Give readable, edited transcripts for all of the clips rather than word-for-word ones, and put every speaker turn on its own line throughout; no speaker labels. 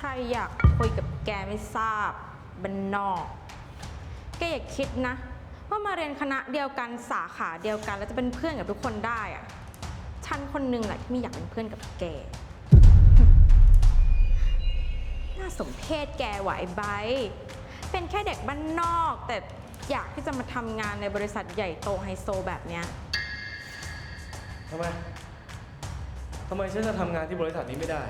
รอยากคุยกับแกไม่ทราบบ้านนอกแกอย่าคิดนะว่ามาเรียนคณะเดียวกันสาขาเดียวกันแล้วจะเป็นเพื่อนกับทุกคนได้อะฉันคนหนึ่งแหละที่ไม่อยากเป็นเพื่อนกับแกน่าสมเพชแกไหวใบเป็นแค่เด็กบ้านนอกแต่อยากที่จะมาทำงานในบริษัทใหญ่โตไฮโซแบบเนี้ย
ทำไมฉันจะทำงานที่บริษัทนี้ไม่ได้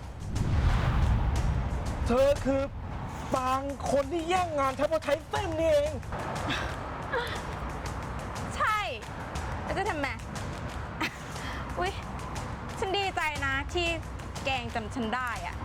เธอคือบางคนที่แย่งงานฉันเพราะใช้เส้นนี่เอง
ใช่แล้วจะทำไมอุ๊ยฉันดีใจนะที่แกงจำฉันได้อะ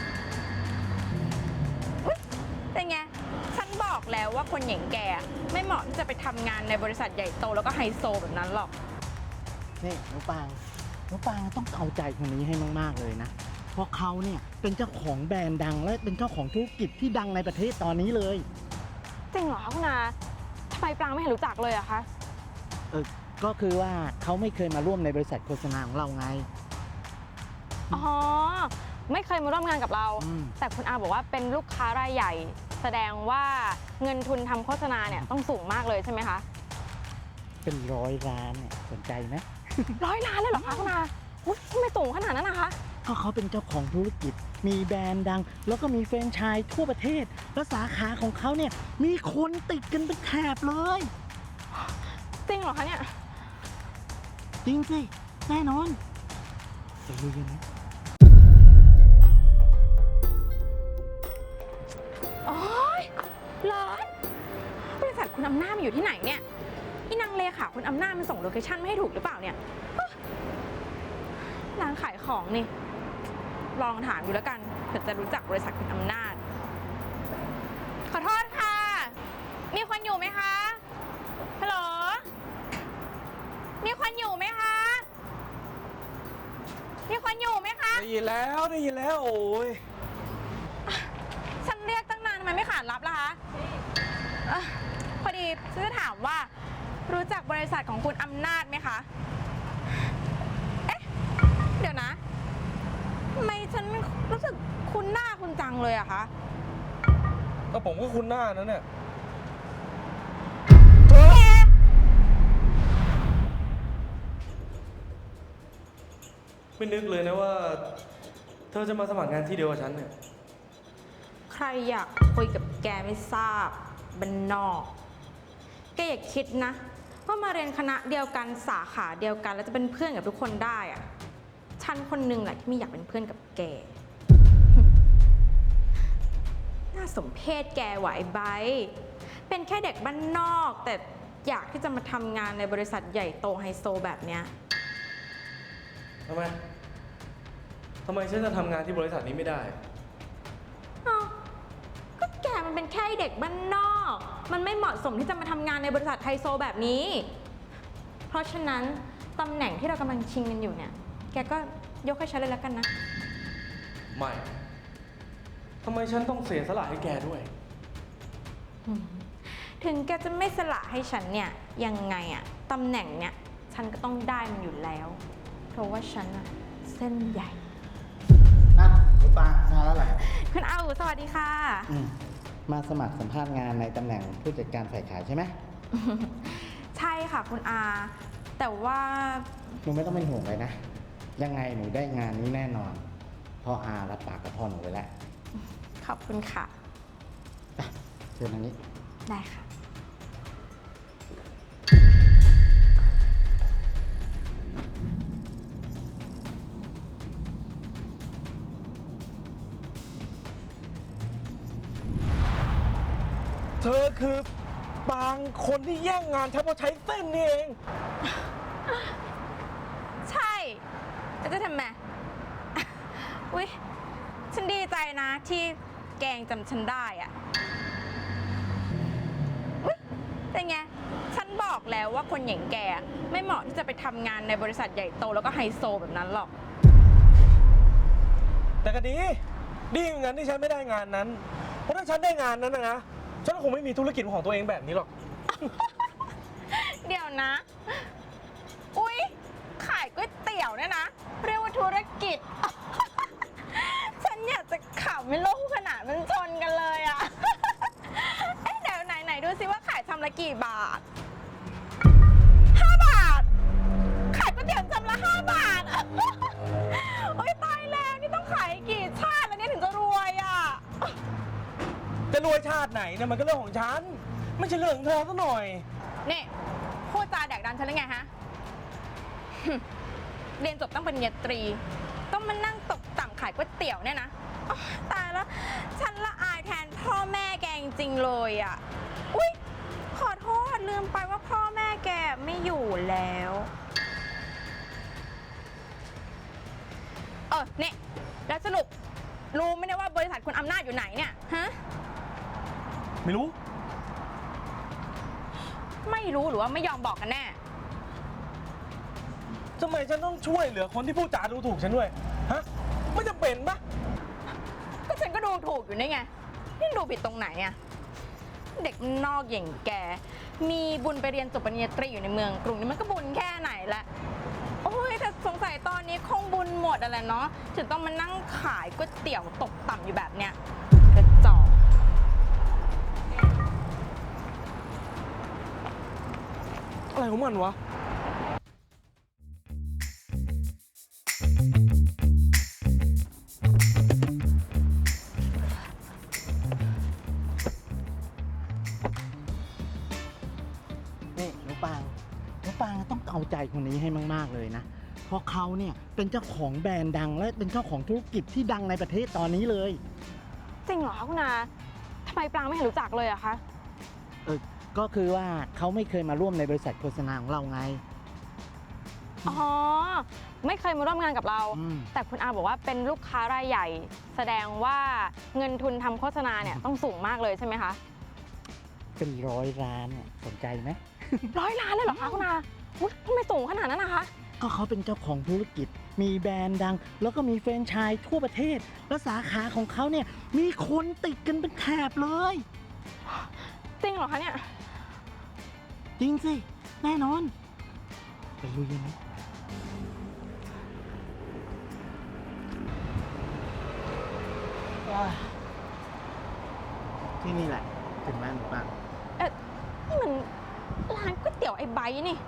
อุ๊ยเป็นไงฉันบอกแล้วว่าคนอย่างแกไม่เหมาะที่จะไปทำงานในบริษัทใหญ่โตแล้วก็ไฮโซแบบนั้นหรอก
นี่น้องปางต้องเข้าใจคนนี้ให้มากๆเลยนะเพราะเขาเนี่ยเป็นเจ้าของแบรนด์ดังและเป็นเจ้าของธุรกิจที่ดังในประเทศตอนนี้เลย
จริงเหรอคะคุณอาทำไมปรางไม่เห็นรู้จักเลยอะคะ
ก็คือว่าเขาไม่เคยมาร่วมในบริษัทโฆษณาของเราไง
อ๋อไม่เคยมาร่วมงานกับเราแต่คุณอาบอกว่าเป็นลูกค้ารายใหญ่แสดงว่าเงินทุนทำโฆษณาเนี่ยต้องสูงมากเลยใช่ไหมคะ
เป็น100 ล้านเนี่ยสนใจไหม
100 ล้านเลยเหรอคะคุณอาทำไมสูงขนาดนั้นนะคะ
ก็เขาเป็นเจ้าของธุรกิจมีแบรนด์ดังแล้วก็มีแฟรนไชส์ทั่วประเทศและสาขาของเขาเนี่ยมีคนติดกันเป็นแถบเลย
จริงเหรอคะเนี่ย
จริงสิแน่นอนจะรู้ยังไง
โอ๊ยร้อนบริษัทคุณอำนาจมันอยู่ที่ไหนเนี่ยนี่นางเลขาคุณอำนาจมันส่งโลเคชั่นไม่ให้ถูกหรือเปล่าเนี่ยร้านขายของนี่ลองถามอยู่แล้วกันเผื่อจะรู้จักบริษัทคุณอำนาจขอโทษค่ะมีคนอยู่ไหมคะฮัลโหลมีคนอยู่ไหมคะมีคนอยู่ไหมคะ
ได้ยินแล้วโอ้ย
ฉันเรียกตั้งนานทำไมไม่ขานรับล่ะคะพอดีฉันจะถามว่ารู้จักบริษัทของคุณอำนาจไหมคะเอ๊ะเดี๋ยวนะทำไมฉันรู้สึกคุ้นหน้าคุณจังเลยอะคะ
ก็ผมก็คุ้นหน้านั้นเนี่ย
ไม่นึกเลยนะว่าเธอจะมาสมัครงานที่เดียวกับฉันเนี่ย
ใครอยากคุยกับแกไม่ทราบบ้านนอกแกอย่าคิดนะว่ามาเรียนคณะเดียวกันสาขาเดียวกันแล้วจะเป็นเพื่อนกับทุกคนได้อะฉันคนหนึ่งแหละที่ไม่อยากเป็นเพื่อนกับแกน่าสมเพชแกไหวใบเป็นแค่เด็กบ้านนอกแต่อยากที่จะมาทำงานในบริษัทใหญ่โตไฮโซแบบเนี้ย
ทำไมฉันจะทำงานที่บริษัทนี้ไม่ได้
ก็แกมันเป็นแค่เด็กบ้านนอกมันไม่เหมาะสมที่จะมาทำงานในบริษัทไฮโซแบบนี้เพราะฉะนั้นตำแหน่งที่เรากำลังชิงกันอยู่เนี่ยแกก็ยกให้ฉันเลยแล้วกันนะ
ไม่ทำไมฉันต้องเสียสละให้แกด้วย
ถึงแกจะไม่สละให้ฉันเนี่ยยังไงอะตำแหน่งเนี่ยฉันก็ต้องได้มันอยู่แล้วเพราะว่าฉันอะเส้นใหญ่
คุณปางมาแล้วเหรอ
คุณอาสวัสดีค่ะ
มาสมัครสัมภาษณ์งานในตำแหน่งผู้จัดการฝ่ายขายใช่ไหม
ใช่ค่ะคุณอาแต่ว่า
หนูไม่ต้องเป็นห่วงเลยนะยังไงหนูได้งานนี้แน่นอนเพราะอารับปากกับพ่อหนูไว้แล้ว
ขอบคุณค่ะ
เชิญทางนี้
ได้ค่ะ
เธอคือบางคนที่แย่งงานฉันเพราะใช้เส้นนี่เอง
ใช่แล้วจะทำไมอุ๊ยฉันดีใจนะที่แกงจำฉันได้อะอุ๊ยเป็นไงฉันบอกแล้วว่าคนอย่างแกไม่เหมาะที่จะไปทำงานในบริษัทใหญ่โตแล้วก็ไฮโซแบบนั้นหรอก
แต่ก็ดีอย่างนั้นที่ฉันไม่ได้งานนั้นเพราะถ้าฉันได้งานนั้นนะฉันคงไม่มีธุรกิจของตัวเองแบบนี้หรอก
เดี๋ยวนะอุ๊ยขายก๋วยเตี๋ยวเนี่ยนะเรียกว่าธุรกิจฉันอยากจะขำไม่รู้ขนาดมันชนกันเลยอะ เอ๊ะเดี๋ยวไหนดูซิว่าขายชามละกี่บาท 5 บาท ขายก๋วยเตี๋ยวชามละ5 บาท โอ๊ยตายแล้วนี่ต้องขายกี่ชาติแล้วเนี่ยถึงจะรวยอะ
จะรวยชาติไหนเนี่ยมันก็เรื่องของฉัน ไม่ใช่เรื่องของเธอซะหน่อย
นี่พูดจาแดกดันฉันหรือไงฮะ เรียนจบต้องปริญญาตรี ต้องมานั่งตกต่ำขายก๋วยเตี๋ยวเนี่ยนะอ๊ะตายแล้ว ฉันละอายแทนพ่อแม่แกจริงๆเลยอ่ะ อุ๊ย ขอโทษลืมไปว่าพ่อแม่แกไม่อยู่แล้ว เนี่ยแล้วสรุปรู้ไหมเนี่ยว่าบริษัทคุณอำนาจอยู่ไหนเนี่ย ฮะ
ไม่รู้
ไม่รู้หรือว่าไม่ยอมบอกกันแน่
ทำไมฉันต้องช่วยเหลือคนที่พูดจาดูถูกฉันด้วย ฮะ ไม่จำเป็นปะ
ก็ฉันก็ดูถูกอยู่นี่ไง นี่ดูผิดตรงไหนอะเด็กนอกอย่างแก มีบุญไปเรียนจบปริญญาตรีอยู่ในเมืองกรุงนี่มันก็บุญแค่ไหนละโอ้ยแต่สงสัยตอนนี้คงบุญหมดอะไรเนาะถึงต้องมานั่งขายก๋วยเตี๋ยวตกต่ำอยู่แบบเนี้ยกระจอก
อะไรของมันวะ
นี่หนูปางต้องเอาใจคนนี้ให้มากๆเลยนะ เพราะเขาเนี่ยเป็นเจ้าของแบรนด์ดังและเป็นเจ้าของธุรกิจที่ดังในประเทศตอนนี้เลย
จริงเหรอคะคุณอาทำไมปรางไม่เห็นรู้จักเลยอะคะ
ก็คือว่าเขาไม่เคยมาร่วมในบริษัทโฆษณาของเราไง
อ๋อ ไม่เคยมาร่วมงานกับเรา
อืม
แต่คุณอาบอกว่าเป็นลูกค้ารายใหญ่ แสดงว่าเงินทุนทำโฆษณาเนี่ยต้องสูงมากเลยใช่ไหมคะ
เป็น100 ล้านเนี่ยสนใจไหม
100 ล้านเลยเหรอคะคุณอาอุ๊ยทำไมสูงขนาดนั้นนะคะ
ก็เขาเป็นเจ้าของธุรกิจ มีแบรนด์ดัง แล้วก็มีแฟรนไชส์ทั่วประเทศ และสาขาของเขาเนี่ยมีคนติดกันเป็นแถบเลย
จริงเหรอคะเนี่ย
จริงสิ แน่นอน ไปลุยกันไหมที่นี่แหละถึงร้านหนูปัง
นี่มันร้านก๋วยเตี๋ยวไอ้ไบร์ทนี่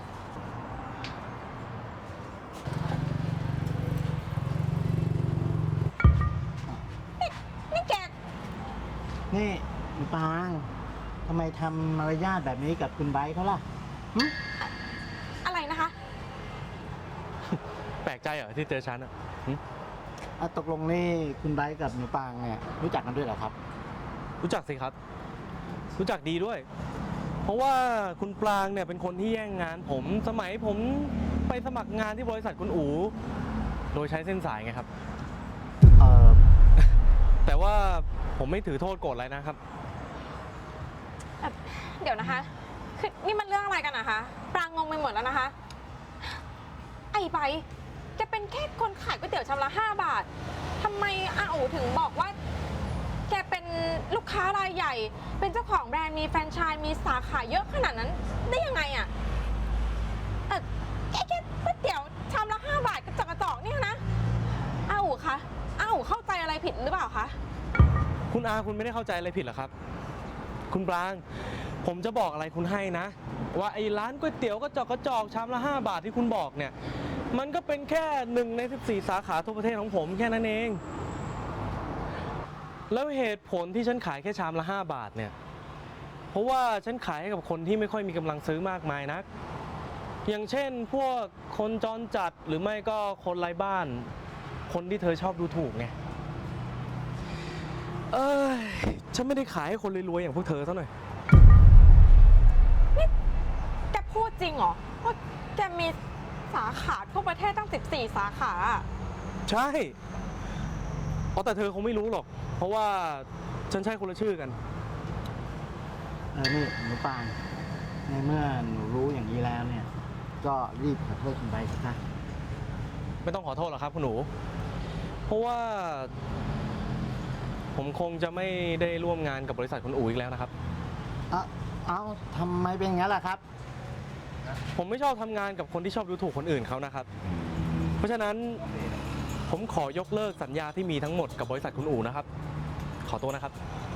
นี่แก
นี่หนูปังทำไมทำมารยาทแบบนี้กับคุณไบร์ทเขาล่ะหึ
อะไรนะคะ
แปลกใจเหรอที่เจอฉันอ่ะหึ
ตกลงนี่คุณไบร์ทกับหนูปังเนี่ยรู้จักกันด้วยเหรอครับ
รู้จักสิครับ รู้จักดีด้วย เพราะว่าคุณปรางเนี่ยเป็นคนที่แย่งงานผมสมัยผมไปสมัครงานที่บริษัทคุณอู๋โดยใช้เส้นสายไงครับ
เออ
แต่ว่าผมไม่ถือโทษโกรธอะไรนะครับ
เดี๋ยวนะคะ คือนี่มันเรื่องอะไรกันนะคะปรางงงไปหมดแล้วนะคะ ไอ้ไบร์ทแกเป็นแค่คนขายก๋วยเตี๋ยวชามละ5 บาททำไมอาอูถึงบอกว่า แกเป็นลูกค้ารายใหญ่ เป็นเจ้าของแบรนด์ มีแฟรนไชส์มีสาขาเยอะขนาดนั้นได้ยังไงอะแค่ก๋วยเตี๋ยวชามละ5 บาทกระจอกเนี่ยนะอาอูคะอาอูเข้าใจอะไรผิดหรือเปล่าคะ
คุณอาคุณไม่ได้เข้าใจอะไรผิดหรอครับ คุณปราง ผมจะบอกอะไรคุณให้นะ ว่าไอ้ร้านก๋วยเตี๋ยวกระจอกชามละ5 บาทที่คุณบอกเนี่ย มันก็เป็นแค่1 ใน 14 สาขาทั่วประเทศของผมแค่นั้นเอง แล้วเหตุผลที่ฉันขายแค่ชามละ5 บาทเนี่ย เพราะว่าฉันขายให้กับคนที่ไม่ค่อยมีกำลังซื้อมากมายนัก อย่างเช่นพวกคนจรจัดหรือไม่ก็คนไร้บ้าน คนที่เธอชอบดูถูกไง ฉันไม่ได้ขายให้คนรวยๆอย่างพวกเธอเท่าหน่อย
แกพูดจริงเหรอว่าแกมีสาขาทั่วประเทศตั้ง14 สาขาอะ
ใช่แต่เธอคงไม่รู้หรอก เพราะว่าฉันใช้คนละชื่อกัน
นี่หนูปังในเมื่อหนูรู้อย่างนี้แล้วเนี่ย ก็รีบขอโทษคุณไบร์ทซะ
ไม่ต้องขอโทษหรอกครับคุณหนู เพราะว่าผมคงจะไม่ได้ร่วมงานกับบริษัทคุณอู๋อีกแล้วนะครับ
เอาทำไมเป็นอย่างนั้นล่ะครับ
ผมไม่ชอบทำงานกับคนที่ชอบดูถูกคนอื่นเขานะครับ เพราะฉะนั้นผมขอยกเลิกสัญญาที่มีทั้งหมดกับบริษัทคุณอู๋นะครับ ขอตัวนะครับ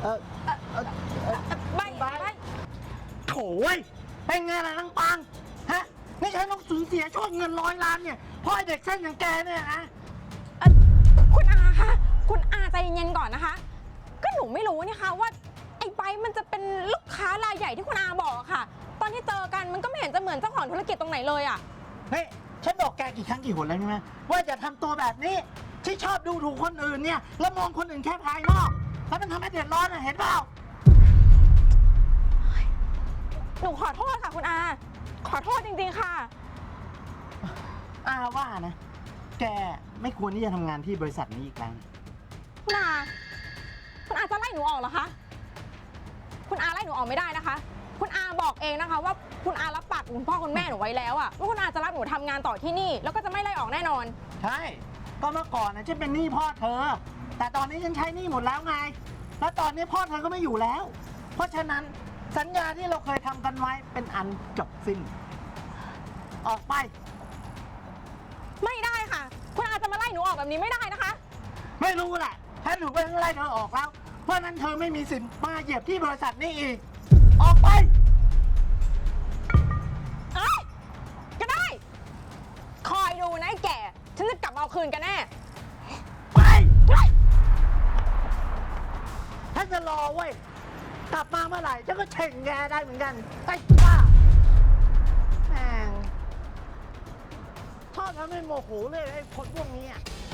ใบ
โถ่เว้ยเป็นไงล่ะนางปางฮะนี่ฉันต้องสูญเสียโชคเงิน100 ล้านเนี่ยเพราะไอ้เด็กเส้นอย่างแกเนี่ยนะ
คุณอาคะ คุณอาใจเย็นๆก่อนนะคะ ก็หนูไม่รู้นี่คะว่าไอ้ใบมันจะเป็นลูกค้ารายใหญ่ที่คุณอาบอกอะค่ะ ตอนที่เจอกันมันก็ไม่เห็นจะเหมือนเจ้าของธุรกิจตรงไหนเลยอะ
นี่ฉันบอกแกกี่ครั้งกี่หนแล้วใช่ไหมว่าจะทำตัวแบบนี้ที่ชอบดูถูกคนอื่นเนี่ยแล้วมองคนอื่นแค่ภายนอกแล้วมันทำให้เดือดร้อนนะเห็นเปล่า
หนูขอโทษค่ะคุณอา ขอโทษจริงๆค่ะ
อาว่านะ แกไม่ควรที่จะทำงานที่บริษัทนี้อีกแล้ว
คุณอา คุณอาจะไล่หนูออกเหรอคะ คุณอาไล่หนูออกไม่ได้นะคะ คุณอาบอกเองนะคะ ว่าคุณอารับปากคุณพ่อคุณแม่หนูไว้แล้วอะว่าคุณอาจะรับหนูทำงานต่อที่นี่ แล้วก็จะไม่ไล่ออกแน่นอน
ใช่ก็เมื่อก่อนนะฉันเป็นหนี้พ่อเธอ แต่ตอนนี้ฉันใช้หนี้หมดแล้วไง แล้วตอนนี้พ่อเธอก็ไม่อยู่แล้ว เพราะฉะนั้นสัญญาที่เราเคยทำกันไว้เป็นอันจบสิ้น ออกไป
ไม่ได้ค่ะ คุณอาจะมาไล่หนูออกแบบนี้ไม่ได้นะคะ
ไม่รู้แหละถ้าหนูเป็นอะไรเธอออกแล้ว เพราะฉะนั้นเธอไม่มีสิทธิ์มาเหยียบที่บริษัทนี้อีก ออกไป
เอ้ยก็ได้ คอยดูนะไอ้แก่ ฉันจะกลับมาเอาคืนกันแน่
ไป
เฮ้ย
ฉันจะรอเว้ย กลับมาเมื่อไหร่ฉันก็เช่งแกได้เหมือนกันไอ้บ้าแม่งชอบทำให้โมโหเลยไอ้คนพวกนี้อะ